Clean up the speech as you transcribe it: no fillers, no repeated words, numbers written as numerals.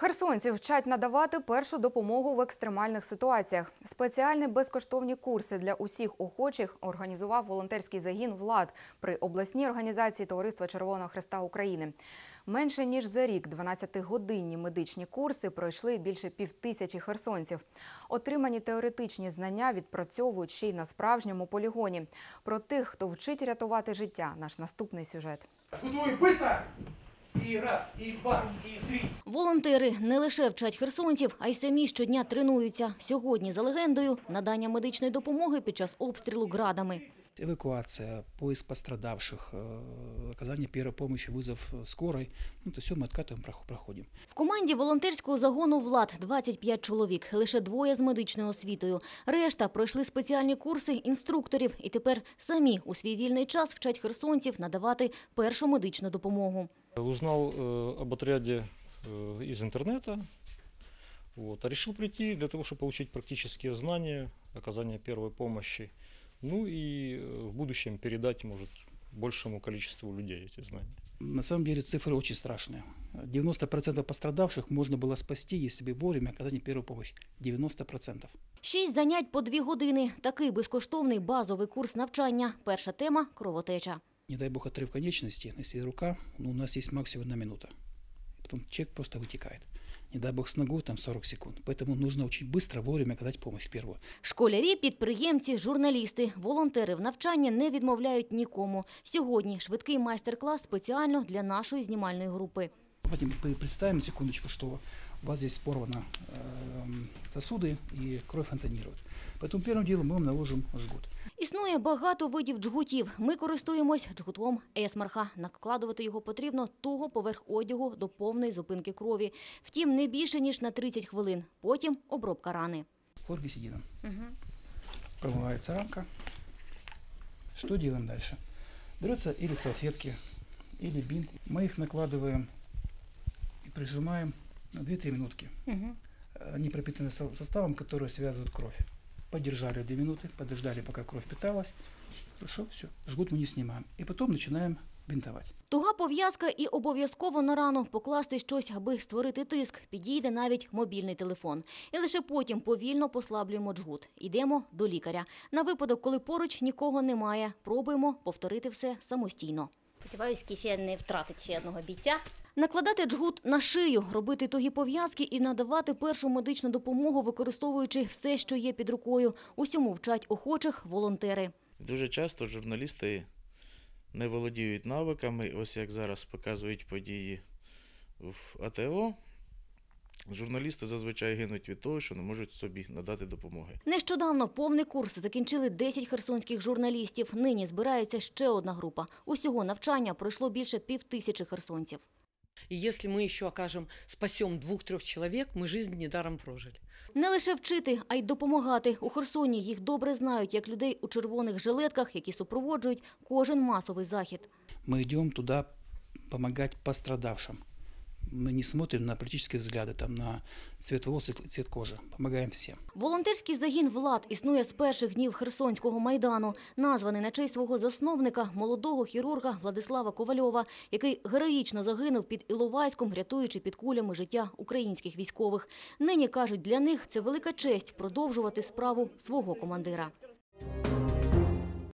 Херсонців вчать надавати першу допомогу в екстремальних ситуаціях. Спеціальні безкоштовні курси для усіх охочих організував волонтерський загін «Влад» при обласній організації Товариства Червоного Хреста України. Менше ніж за рік 12-годинні медичні курси пройшли більше 5000 херсонців. Отримані теоретичні знання відпрацьовують ще й на справжньому полігоні. Про тих, хто вчить рятувати життя – наш наступний сюжет. Готуй, быстро! І раз, і два, і три. Волонтери не лише вчать херсонців, а й самі щодня тренуються. Сьогодні, за легендою, надання медичної допомоги під час обстрілу градами. Эвакуация, поиск пострадавших, оказание первой помощи, вызов скорой. То все мы откатываем, проходим. В команді волонтерського загону «Влад» 25 чоловік, лише 2 з медичною освітою. Решта пройшли спеціальні курси інструкторів і тепер самі у свій вільний час вчать херсонців надавати першу медичну допомогу. Узнал об отряде из интернета, а решил прийти для того, чтобы получить практические знания, оказания первой помощи, ну и в будущем передать, может, большему количеству людей эти знания. На самом деле цифры очень страшные. 90% пострадавших можно было спасти, если бы вовремя оказание первой помощи. 90%. 6 занять по 2 години. Такий безкоштовний базовий курс навчання. Перша тема – кровотеча. Не дай бог отрыв конечности, если рука, у нас есть максимум 1 минута. Потом человек просто вытекает. Не дай бог с ногой, там 40 секунд. Поэтому нужно очень быстро, вовремя оказать помощь первую. Школярі, підприємці, журналісти, волонтери в навчанні не відмовляють нікому. Сьогодні швидкий майстер-клас спеціально для нашої знімальної групи. Представим, секундочку, что у вас здесь порваны сосуды и кровь фонтанирует. Поэтому первым делом мы вам наложим жгут. Існує багато видів джгутів. Ми користуємось джгутом Есмарха. Накладувати його потрібно туго поверх одягу до повної зупинки крові. Втім, не більше, ніж на 30 хвилин. Потім обробка рани. Хлоргексидином. Промывается ранка. Что делаем дальше? Берется или салфетки, или бинт. Мы их накладываем и прижимаем на 2-3 минутки. Они пропитаны составом, который связывает кровь. Подержали 2 минуты, подождали, пока кровь питалась. Хорошо, все, жгут мы не снимаем. И потом начинаем бинтовать. Туга пов'язка і обов'язково на рану покласти щось, аби створити тиск. Підійде навіть мобільний телефон. І лише потім повільно послаблюємо джгут. Йдемо до лікаря. На випадок, коли поруч нікого немає, пробуємо повторити все самостійно. Сподіваюсь, Кефія не втратить ще одного бійця. Накладати джгут на шию, робити тугі пов'язки і надавати першу медичну допомогу, використовуючи все, що є під рукою. Усьому вчать охочих волонтери. Дуже часто журналісти не володіють навиками, ось як зараз показують події в АТО. Журналісти зазвичай гинуть від того, що не можуть собі надати допомоги. Нещодавно повний курс закінчили 10 херсонських журналістів. Нині збирається ще одна група. Усього навчання пройшло більше 5000 херсонців. И если мы еще спасем 2-3 человек, мы жизнь недаром прожили. Не лише вчити, а й допомагати. У Херсоні їх добре знають, як людей у червоних жилетках, які супроводжують кожен масовий захід. Мы идем туда помогать пострадавшим. Мы не смотрим на политические взгляды, там, на цвет волос и цвет кожи. Помогаем всем. Волонтерський загін «Влад» існує з перших днів Херсонського Майдану. Названий на честь свого засновника, молодого хірурга Владислава Ковальова, який героїчно загинув під Іловайськом, рятуючи під кулями життя українських військових. Нині, кажуть, для них це велика честь продовжувати справу свого командира.